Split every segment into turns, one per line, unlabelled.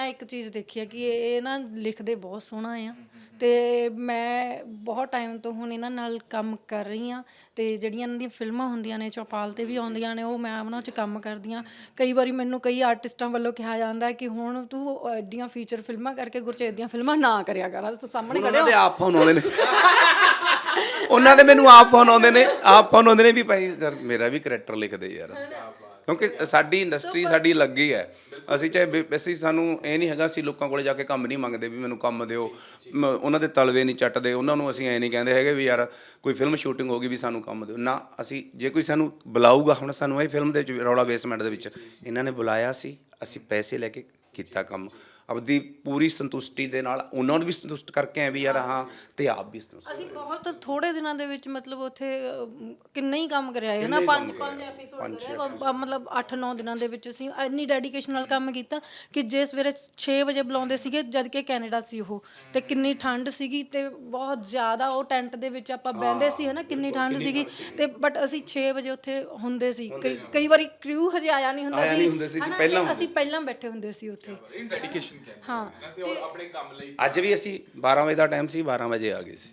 ਇੱਕ ਚੀਜ਼ ਦੇਖੀ ਹੈ ਕਿ ਇਹ ਨਾ ਲਿਖਦੇ ਬਹੁਤ ਸੋਹਣਾ ਆ ਤੇ ਮੈਂ ਬਹੁਤ ਟਾਈਮ ਤੋਂ ਹੁਣ ਇਹਨਾਂ ਨਾਲ ਕੰਮ ਕਰ ਰਹੀ ਹਾਂ ਤੇ ਜਿਹੜੀਆਂ ਇਹਨਾਂ ਦੀਆਂ ਫਿਲਮਾਂ ਹੁੰਦੀਆਂ ਨੇ ਚੌਪਾਲ ਤੇ ਵੀ ਆਉਂਦੀਆਂ ਨੇ ਉਹ ਮੈਂ ਉਹਨਾਂ 'ਚ ਕੰਮ ਕਰਦੀ ਹਾਂ। ਕਈ ਵਾਰੀ ਮੈਨੂੰ ਕਈ ਆਰਟਿਸਟਾਂ ਵੱਲੋਂ ਕਿਹਾ ਜਾਂਦਾ ਕਿ ਹੁਣ ਤੂੰ ਐਡੀਆਂ ਫੀਚਰ ਫਿਲਮਾਂ ਕਰਕੇ ਗੁਰਚੇਤ ਦੀਆਂ ਫਿਲਮਾਂ ਨਾ ਕਰਿਆ ਕਰ। ਤੂੰ ਸਾਹਮਣੇ
ਉਹਨਾਂ ਦੇ ਆਪ ਫੋਨ ਆਉਂਦੇ ਨੇ ਉਹਨਾਂ ਦੇ ਮੈਨੂੰ ਆਪ ਫੋਨ ਆਉਂਦੇ ਨੇ ਵੀ ਭਾਈ ਯਾਰ ਮੇਰਾ ਵੀ ਕਰੈਕਟਰ ਲਿਖ ਦੇ ਯਾਰ, ਕਿਉਂਕਿ ਸਾਡੀ ਇੰਡਸਟਰੀ ਸਾਡੀ ਲੱਗੀ ਹੈ। ਅਸੀਂ ਸਾਨੂੰ ਇਹ ਨਹੀਂ ਹੈਗਾ ਅਸੀਂ ਲੋਕਾਂ ਕੋਲੇ ਜਾ ਕੇ ਕੰਮ ਨਹੀਂ ਮੰਗਦੇ ਵੀ ਮੈਨੂੰ ਕੰਮ ਦਿਓ, ਉਹਨਾਂ ਦੇ ਤਲਵੇ ਨਹੀਂ ਚੱਟਦੇ, ਉਹਨਾਂ ਨੂੰ ਅਸੀਂ ਐ ਨਹੀਂ ਕਹਿੰਦੇ ਹੈਗੇ ਵੀ ਯਾਰ ਕੋਈ ਫਿਲਮ ਸ਼ੂਟਿੰਗ ਹੋ ਗਈ ਵੀ ਸਾਨੂੰ ਕੰਮ ਦਿਓ ਨਾ। ਅਸੀਂ ਜੇ ਕੋਈ ਸਾਨੂੰ ਬੁਲਾਊਗਾ, ਹੁਣ ਸਾਨੂੰ ਇਹ ਫਿਲਮ ਦੇ ਵਿੱਚ ਰੌਲਾ ਬੇਸਮੈਂਟ ਦੇ ਵਿੱਚ ਇਹਨਾਂ ਨੇ ਬੁਲਾਇਆ ਸੀ, ਅਸੀਂ ਪੈਸੇ ਲੈ ਕੇ ਕੀਤਾ ਕੰਮ ਆਪਦੀ ਪੂਰੀ ਸੰਤੁਸ਼ਟੀ ਦੇ ਨਾਲ, ਉਹਨਾਂ ਨੂੰ ਵੀ ਸੰਤੁਸ਼ਟ ਕਰਕੇ ਆਏ ਵੀ ਯਾਰ ਹਾਂ ਤੇ ਆਪ ਵੀ ਸੰਤੁਸ਼ਟ।
ਅਸੀਂ ਬਹੁਤ ਥੋੜੇ ਦਿਨਾਂ ਦੇ ਵਿੱਚ ਮਤਲਬ ਉੱਥੇ ਕਿੰਨਾ ਹੀ ਕੰਮ ਕਰਿਆ ਹੈ ਨਾ, ਪੰਜ ਐਪੀਸੋਡ ਕਰਿਆ, ਮਤਲਬ 8-9 ਦਿਨਾਂ ਦੇ ਵਿੱਚ ਅਸੀਂ ਇੰਨੀ ਡੈਡੀਕੇਸ਼ਨ ਨਾਲ ਕੰਮ ਕੀਤਾ ਕਿ ਜੇ ਸਵੇਰੇ 6 ਵਜੇ ਬੁਲਾਉਂਦੇ ਸੀਗੇ ਜਦ ਕਿ ਕੈਨੇਡਾ ਸੀ ਉਹ, ਤੇ ਕਿੰਨੀ ਠੰਡ ਸੀਗੀ ਤੇ ਬਹੁਤ ਜ਼ਿਆਦਾ ਉਹ ਟੈਂਟ ਦੇ ਵਿੱਚ ਆਪਾਂ ਬਹਿੰਦੇ ਸੀ ਹੈ ਨਾ, ਕਿੰਨੀ ਠੰਡ ਸੀਗੀ ਤੇ ਬਟ ਅਸੀਂ 6 ਵਜੇ ਉੱਥੇ ਹੁੰਦੇ ਸੀ। ਕਈ ਵਾਰੀ ਕ੍ਰਿਊ ਹਜੇ ਆਇਆ ਨਹੀਂ ਹੁੰਦਾ ਸੀ, ਅਸੀਂ ਪਹਿਲਾਂ ਬੈਠੇ ਹੁੰਦੇ ਸੀ ਉੱਥੇ। ਹਾਂ
ਤੇ ਆਪਣੇ ਕੰਮ ਲਈ
ਅੱਜ ਵੀ ਅਸੀਂ 12 ਵਜੇ ਦਾ ਟਾਈਮ ਸੀ, 12 ਵਜੇ ਆ ਗਏ ਸੀ।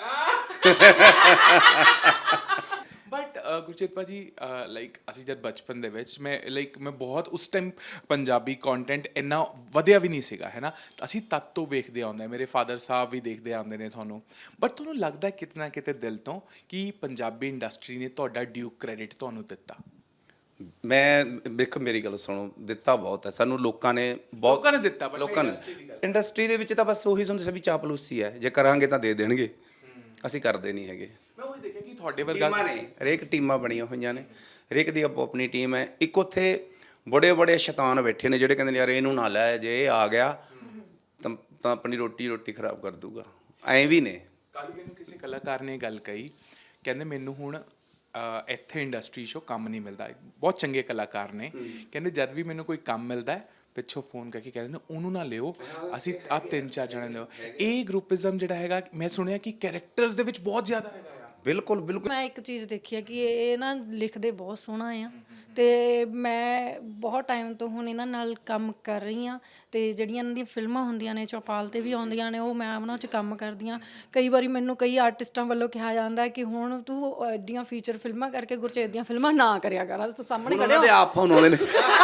ਬਟ ਗੁਰਚੇਤ ਭਾਜੀ ਲਾਈਕ ਅਸੀਂ ਜਦ ਬਚਪਨ ਦੇ ਵਿੱਚ ਮੈਂ ਬਹੁਤ ਉਸ ਟਾਈਮ ਪੰਜਾਬੀ ਕੰਟੈਂਟ ਇੰਨਾ ਵਧਿਆ ਵੀ ਨਹੀਂ ਸੀਗਾ ਹੈ ਨਾ, ਅਸੀਂ ਤਦ ਤੋਂ ਵੇਖਦੇ ਆਉਂਦੇ, ਮੇਰੇ ਫਾਦਰ ਸਾਹਿਬ ਵੀ ਦੇਖਦੇ ਆਉਂਦੇ ਨੇ ਤੁਹਾਨੂੰ। ਬਟ ਤੁਹਾਨੂੰ ਲੱਗਦਾ ਕਿਤੇ ਨਾ ਕਿਤੇ ਦਿਲ ਤੋਂ ਕਿ ਪੰਜਾਬੀ ਇੰਡਸਟਰੀ ਨੇ ਤੁਹਾਡਾ ਡਿਊ ਕ੍ਰੈਡਿਟ ਤੁਹਾਨੂੰ ਦਿੱਤਾ?
ਮੈਂ ਵੇਖ ਮੇਰੀ ਗੱਲ ਸੁਣੋ, ਦਿੱਤਾ ਬਹੁਤ ਹੈ ਸਾਨੂੰ ਲੋਕਾਂ ਨੇ
ਦਿੱਤਾ,
ਲੋਕਾਂ ਨੇ ਇੰਡਸਟਰੀ ਦੇ ਵਿੱਚ ਤਾਂ ਬਸ ਉਹੀ ਸਮਝ ਵੀ ਚਾਪਲੂਸੀ ਹੈ, ਜੇ ਕਰਾਂਗੇ ਤਾਂ ਦੇ ਦੇਣਗੇ, ਅਸੀਂ ਕਰਦੇ ਨਹੀਂ ਹੈਗੇ।
ਮੈਂ ਉਹੀ ਦੇਖਿਆ ਕਿ ਤੁਹਾਡੇ ਵਰਗਾ
ਨੇ ਹਰੇਕ ਟੀਮਾਂ ਬਣੀਆਂ ਹੋਈਆਂ ਨੇ, ਹਰੇਕ ਦੀ ਆਪੋ ਆਪਣੀ ਟੀਮ ਹੈ। ਇੱਕ ਉੱਥੇ ਬੜੇ ਸ਼ੈਤਾਨ ਬੈਠੇ ਨੇ ਜਿਹੜੇ ਕਹਿੰਦੇ ਨੇ ਯਾਰ ਇਹਨੂੰ ਨਾ ਲੈ, ਜੇ ਇਹ ਆ ਗਿਆ ਤਾਂ ਆਪਣੀ ਰੋਟੀ ਖਰਾਬ ਕਰ ਦੂਗਾ, ਐਂ ਵੀ ਨੇ।
ਕੱਲ੍ਹ ਮੈਨੂੰ ਕਿਸੇ ਕਲਾਕਾਰ ਨੇ ਗੱਲ ਕਹੀ, ਕਹਿੰਦੇ ਮੈਨੂੰ ਹੁਣ ਇੱਥੇ ਇੰਡਸਟਰੀ 'ਚੋਂ ਕੰਮ ਨਹੀਂ ਮਿਲਦਾ। ਬਹੁਤ ਚੰਗੇ ਕਲਾਕਾਰ ਨੇ, ਕਹਿੰਦੇ ਜਦ ਵੀ ਮੈਨੂੰ ਕੋਈ ਕੰਮ ਮਿਲਦਾ ਪਿੱਛੋਂ ਫੋਨ ਕਰਕੇ ਕਹਿੰਦੇ ਨੇ ਉਹਨੂੰ ਨਾ ਲਿਓ, ਅਸੀਂ ਆਹ 3-4 ਜਣੇ ਲਿਓ। ਇਹ ਗਰੁੱਪਿਜ਼ਮ ਜਿਹੜਾ ਹੈਗਾ ਮੈਂ ਸੁਣਿਆ ਕਿ ਕੈਰੈਕਟਰਸ ਦੇ ਵਿੱਚ ਬਹੁਤ ਜ਼ਿਆਦਾ ਹੈਗਾ।
ਬਿਲਕੁਲ
ਮੈਂ ਇੱਕ ਚੀਜ਼ ਦੇਖੀ ਹੈ ਕਿ ਇਹ ਨਾ ਲਿਖਦੇ ਬਹੁਤ ਸੋਹਣਾ ਆ ਤੇ ਮੈਂ ਬਹੁਤ ਟਾਈਮ ਤੋਂ ਹੁਣ ਇਹਨਾਂ ਨਾਲ ਕੰਮ ਕਰ ਰਹੀ ਹਾਂ ਤੇ ਜਿਹੜੀਆਂ ਇਹਨਾਂ ਦੀਆਂ ਫਿਲਮਾਂ ਹੁੰਦੀਆਂ ਨੇ ਚੌਪਾਲ ਤੇ ਵੀ ਆਉਂਦੀਆਂ ਨੇ ਉਹ ਮੈਂ ਉਹਨਾਂ 'ਚ ਕੰਮ ਕਰਦੀ ਹਾਂ। ਕਈ ਵਾਰੀ ਮੈਨੂੰ ਕਈ ਆਰਟਿਸਟਾਂ ਵੱਲੋਂ ਕਿਹਾ ਜਾਂਦਾ ਕਿ ਹੁਣ ਤੂੰ ਐਡੀਆਂ ਫੀਚਰ ਫਿਲਮਾਂ ਕਰਕੇ ਗੁਰਚੇਤ ਦੀਆਂ ਫਿਲਮਾਂ ਨਾ ਕਰਿਆ ਕਰ। ਤੂੰ ਸਾਹਮਣੇ
ਉਹਨਾਂ ਦੇ ਆਪ ਫੋਨ ਆਉਂਦੇ ਨੇ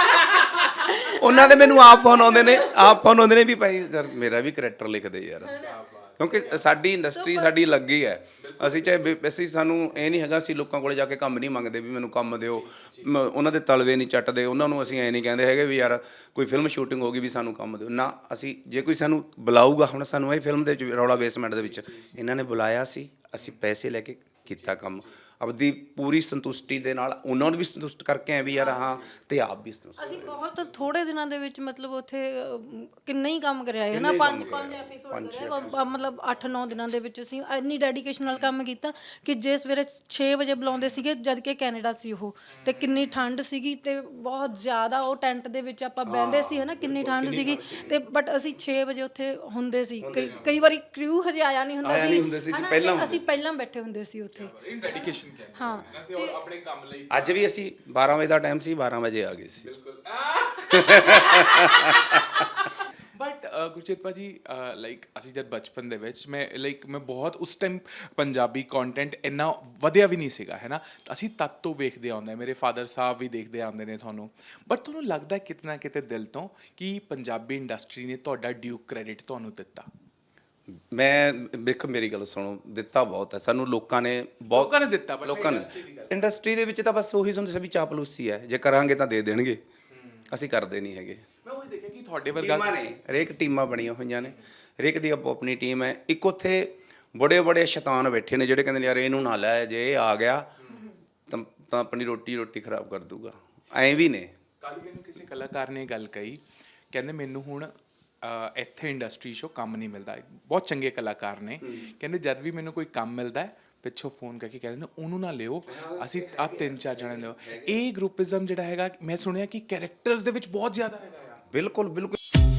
ਉਹਨਾਂ ਦੇ ਮੈਨੂੰ ਆਪ ਫੋਨ ਆਉਂਦੇ ਨੇ ਵੀ ਭਾਈ ਯਾਰ ਮੇਰਾ ਵੀ ਕਰੈਕਟਰ ਲਿਖ ਦੇ ਯਾਰ, ਕਿਉਂਕਿ ਸਾਡੀ ਇੰਡਸਟਰੀ ਸਾਡੀ ਲੱਗੀ ਹੈ। ਅਸੀਂ ਸਾਨੂੰ ਇਹ ਨਹੀਂ ਹੈਗਾ ਅਸੀਂ ਲੋਕਾਂ ਕੋਲੇ ਜਾ ਕੇ ਕੰਮ ਨਹੀਂ ਮੰਗਦੇ ਵੀ ਮੈਨੂੰ ਕੰਮ ਦਿਓ, ਉਹਨਾਂ ਦੇ ਤਲਵੇ ਨਹੀਂ ਚੱਟਦੇ, ਉਹਨਾਂ ਨੂੰ ਅਸੀਂ ਐ ਨਹੀਂ ਕਹਿੰਦੇ ਹੈਗੇ ਵੀ ਯਾਰ ਕੋਈ ਫਿਲਮ ਸ਼ੂਟਿੰਗ ਹੋ ਗਈ ਵੀ ਸਾਨੂੰ ਕੰਮ ਦਿਓ ਨਾ। ਅਸੀਂ ਜੇ ਕੋਈ ਸਾਨੂੰ ਬੁਲਾਊਗਾ, ਹੁਣ ਸਾਨੂੰ ਇਹ ਫਿਲਮ ਦੇ ਵਿੱਚ ਰੌਲਾ ਬੇਸਮੈਂਟ ਦੇ ਵਿੱਚ ਇਹਨਾਂ ਨੇ ਬੁਲਾਇਆ ਸੀ, ਅਸੀਂ ਪੈਸੇ ਲੈ ਕੇ ਕੀਤਾ ਕੰਮ ਆਪਦੀ ਪੂਰੀ ਸੰਤੁਸ਼ਟੀ ਦੇ ਨਾਲ, ਉਹਨਾਂ ਨੂੰ ਵੀ ਸੰਤੁਸ਼ਟ ਕਰਕੇ ਆਏ ਵੀ ਯਾਰ ਹਾਂ ਤੇ ਆਪ ਵੀ ਸੰਤੁਸ਼ਟ।
ਅਸੀਂ ਬਹੁਤ ਥੋੜੇ ਦਿਨਾਂ ਦੇ ਵਿੱਚ ਮਤਲਬ ਉੱਥੇ ਕਿੰਨਾ ਹੀ ਕੰਮ ਕਰਿਆ ਹੈ ਨਾ, ਪੰਜ ਐਪੀਸੋਡ ਕਰਿਆ, ਮਤਲਬ 8-9 ਦਿਨਾਂ ਦੇ ਵਿੱਚ ਅਸੀਂ ਇੰਨੀ ਡੈਡੀਕੇਸ਼ਨ ਨਾਲ ਕੰਮ ਕੀਤਾ ਕਿ ਜੇ ਸਵੇਰੇ 6 ਵਜੇ ਬੁਲਾਉਂਦੇ ਸੀਗੇ ਜਦ ਕਿ ਕੈਨੇਡਾ ਸੀ ਉਹ, ਤੇ ਕਿੰਨੀ ਠੰਡ ਸੀਗੀ ਤੇ ਬਹੁਤ ਜ਼ਿਆਦਾ ਉਹ ਟੈਂਟ ਦੇ ਵਿੱਚ ਆਪਾਂ ਬਹਿੰਦੇ ਸੀ ਹੈ ਨਾ, ਕਿੰਨੀ ਠੰਡ ਸੀਗੀ ਤੇ ਬਟ ਅਸੀਂ 6 ਵਜੇ ਉੱਥੇ ਹੁੰਦੇ ਸੀ। ਕਈ ਵਾਰੀ ਕ੍ਰਿਊ ਹਜੇ ਆਇਆ ਨਹੀਂ ਹੁੰਦਾ ਸੀ, ਅਸੀਂ ਪਹਿਲਾਂ ਬੈਠੇ ਹੁੰਦੇ ਸੀ ਉੱਥੇ।
ਹਾਂ ਤੇ ਆਪਣੇ ਕੰਮ ਲਈ
ਅੱਜ ਵੀ ਅਸੀਂ 12 ਵਜੇ ਦਾ ਟਾਈਮ ਸੀ, 12 ਵਜੇ ਆ ਗਏ ਸੀ।
ਬਟ ਗੁਰਚੇਤ ਭਾਜੀ ਲਾਈਕ ਅਸੀਂ ਜਦ ਬਚਪਨ ਦੇ ਵਿੱਚ ਮੈਂ ਬਹੁਤ ਉਸ ਟਾਈਮ ਪੰਜਾਬੀ ਕੰਟੈਂਟ ਇੰਨਾ ਵਧਿਆ ਵੀ ਨਹੀਂ ਸੀਗਾ ਹੈ ਨਾ, ਅਸੀਂ ਤਦ ਤੋਂ ਵੇਖਦੇ ਆਉਂਦੇ, ਮੇਰੇ ਫਾਦਰ ਸਾਹਿਬ ਵੀ ਦੇਖਦੇ ਆਉਂਦੇ ਨੇ ਤੁਹਾਨੂੰ। ਬਟ ਤੁਹਾਨੂੰ ਲੱਗਦਾ ਕਿਤੇ ਨਾ ਕਿਤੇ ਦਿਲ ਤੋਂ ਕਿ ਪੰਜਾਬੀ ਇੰਡਸਟਰੀ ਨੇ ਤੁਹਾਡਾ ਡਿਊ ਕ੍ਰੈਡਿਟ ਤੁਹਾਨੂੰ ਦਿੱਤਾ?
ਮੈਂ ਵੇਖ ਮੇਰੀ ਗੱਲ ਸੁਣੋ, ਦਿੱਤਾ ਬਹੁਤ ਹੈ ਸਾਨੂੰ ਲੋਕਾਂ ਨੇ
ਦਿੱਤਾ।
ਲੋਕਾਂ ਨੇ ਇੰਡਸਟਰੀ ਦੇ ਵਿੱਚ ਤਾਂ ਬਸ ਉਹੀ ਸਮਝ ਵੀ ਚਾਪਲੂਸੀ ਹੈ, ਜੇ ਕਰਾਂਗੇ ਤਾਂ ਦੇ ਦੇਣਗੇ, ਅਸੀਂ ਕਰਦੇ ਨਹੀਂ ਹੈਗੇ।
ਮੈਂ ਉਹੀ ਦੇਖਿਆ ਕਿ ਤੁਹਾਡੇ ਵਰਗਾ
ਨੇ ਹਰੇਕ ਟੀਮਾਂ ਬਣੀਆਂ ਹੋਈਆਂ ਨੇ, ਹਰੇਕ ਦੀ ਆਪੋ ਆਪਣੀ ਟੀਮ ਹੈ। ਇੱਕ ਉੱਥੇ ਬੜੇ ਸ਼ੈਤਾਨ ਬੈਠੇ ਨੇ ਜਿਹੜੇ ਕਹਿੰਦੇ ਨੇ ਯਾਰ ਇਹਨੂੰ ਨਾ ਲੈ, ਜੇ ਇਹ ਆ ਗਿਆ ਤਾਂ ਆਪਣੀ ਰੋਟੀ ਖਰਾਬ ਕਰ ਦੂਗਾ, ਐਂ ਵੀ ਨੇ।
ਕੱਲ੍ਹ ਮੈਨੂੰ ਕਿਸੇ ਕਲਾਕਾਰ ਨੇ ਗੱਲ ਕਹੀ, ਕਹਿੰਦੇ ਮੈਨੂੰ ਹੁਣ ਇੱਥੇ ਇੰਡਸਟਰੀ 'ਚੋਂ ਕੰਮ ਨਹੀਂ ਮਿਲਦਾ। ਬਹੁਤ ਚੰਗੇ ਕਲਾਕਾਰ ਨੇ, ਕਹਿੰਦੇ ਜਦ ਵੀ ਮੈਨੂੰ ਕੋਈ ਕੰਮ ਮਿਲਦਾ ਪਿੱਛੋਂ ਫੋਨ ਕਰਕੇ ਕਹਿੰਦੇ ਨੇ ਉਹਨੂੰ ਨਾ ਲਿਓ, ਅਸੀਂ ਆਹ 3-4 ਜਣੇ ਲਿਓ। ਇਹ ਗਰੁੱਪਿਜ਼ਮ ਜਿਹੜਾ ਹੈਗਾ ਮੈਂ ਸੁਣਿਆ ਕਿ ਕੈਰੈਕਟਰਸ ਦੇ ਵਿੱਚ ਬਹੁਤ ਜ਼ਿਆਦਾ ਹੈਗਾ।
ਬਿਲਕੁਲ